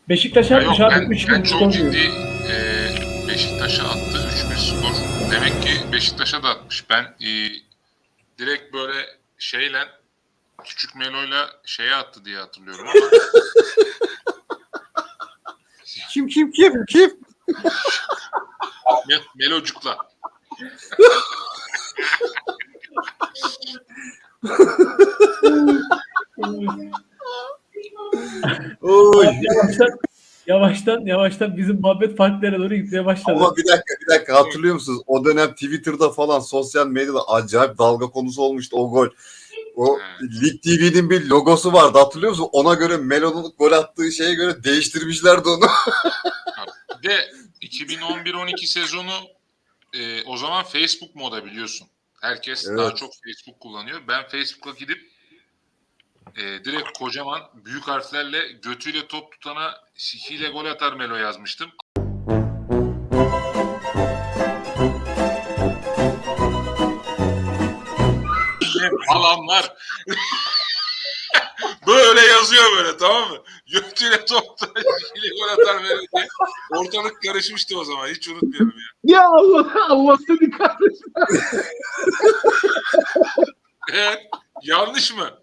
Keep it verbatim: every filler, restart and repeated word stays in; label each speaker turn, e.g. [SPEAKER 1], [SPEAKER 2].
[SPEAKER 1] Beşiktaş'a
[SPEAKER 2] Ya
[SPEAKER 1] atmış
[SPEAKER 2] yok,
[SPEAKER 1] abi.
[SPEAKER 2] ben,
[SPEAKER 1] üç
[SPEAKER 2] ben
[SPEAKER 1] bir
[SPEAKER 2] çok
[SPEAKER 1] skor
[SPEAKER 2] ciddi
[SPEAKER 1] diyor.
[SPEAKER 2] e, Beşiktaş'a attı üç bir skor. Demek ki Beşiktaş'a da atmış. Ben e, direkt böyle şeyle Küçük Melo'yla şeye attı diye hatırlıyorum ama
[SPEAKER 3] Kim kim kim kim?
[SPEAKER 2] Me- Melocuk'la.
[SPEAKER 3] Oy.
[SPEAKER 1] yavaştan yavaştan yavaştan bizim muhabbet farklı yere doğru gitmeye başladı.
[SPEAKER 3] Ama bir dakika bir dakika hatırlıyor musunuz? O dönem Twitter'da falan sosyal medyada acayip dalga konusu olmuştu o gol. O
[SPEAKER 2] He.
[SPEAKER 3] Lig T V'nin bir logosu vardı hatırlıyor musun? Ona göre Melo'nun gol attığı şeye göre değiştirmişlerdi onu.
[SPEAKER 2] Bir de iki bin on bir on iki sezonu e, o zaman Facebook moda biliyorsun. Herkes
[SPEAKER 3] Evet.
[SPEAKER 2] daha çok Facebook kullanıyor. Ben Facebook'a gidip e, direkt kocaman büyük harflerle götüyle top tutana sikiyle gol atar Melo yazmıştım. Falanlar böyle yazıyor böyle, tamam mı? Götüyle top tutana sikiyle gol atar Melo diye. Ortalık karışmıştı o zaman, hiç unutmuyorum ya.
[SPEAKER 4] Ya Allah Allah seni kahretsin.
[SPEAKER 2] Evet, yanlış mı?